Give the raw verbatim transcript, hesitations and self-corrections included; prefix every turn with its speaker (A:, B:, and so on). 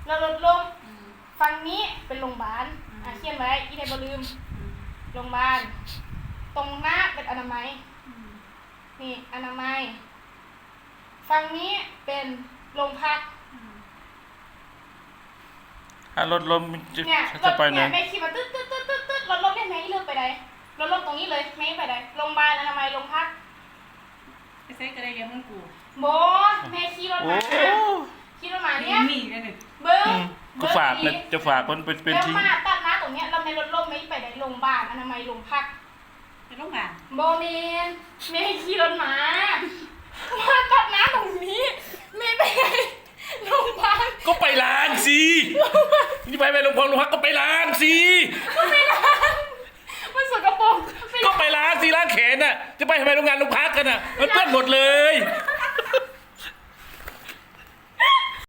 A: เราลดลงฝั่งนี้เป็นโรงพยาบาลอ่ะเขียนไว้อีเดบลืมโรงพยาบาลตรงหน้าเป็นอนามัยนี่อนามัยฝั่งนี้เป็นโรงพัก
B: ถ้ารถล้มจะ
A: เนี่ยร
B: จะ
A: ถ
B: ไปไหน
A: เนี่ยไม่ขี่มาตึ๊ดตึ๊ดตึ๊ดตึ๊ดตึ๊ดรถล้มเนี่ยแม่เลือกไปไหนรถล้มตรงนี้เลยแม่ไปไหนโรงพยาบาลอนามัยโรงพัก
C: ไปใส่กระไรเลี้ยงมันกู
A: โบแม่ขี่รถ
B: โอ้
A: มาขี่รถมาเนี่ย
C: มีกันหนึ่ง
A: เบิ้ง
B: ก็ฝากนะจะฝากมันเป็นเป็น
A: แล้ว
B: ทิ้ง
A: มาตัดหน้าตรงเนี้ยเราไม่รถล้มไม่ไปไหนโรงพยาบาลอนามัยโรงพัก
C: ไปโรงพยาบาล
A: โบเมนแม่ขี่รถมามาตัดหน้าตรงนี้แม่ไปไหนโรงพยาบาล
B: ก็ไปล้างสินี่ไปไปโรงพยาบาลโรงพักก็ไปล้างสิ
A: ก็ไม่ล้างมันสกปรก
B: ก็ไปล้างสิล้างแขนน่ะจะไปทำไมโรงงานโรงพักกันน่ะมันเปื้อนหมดเลย
A: ไ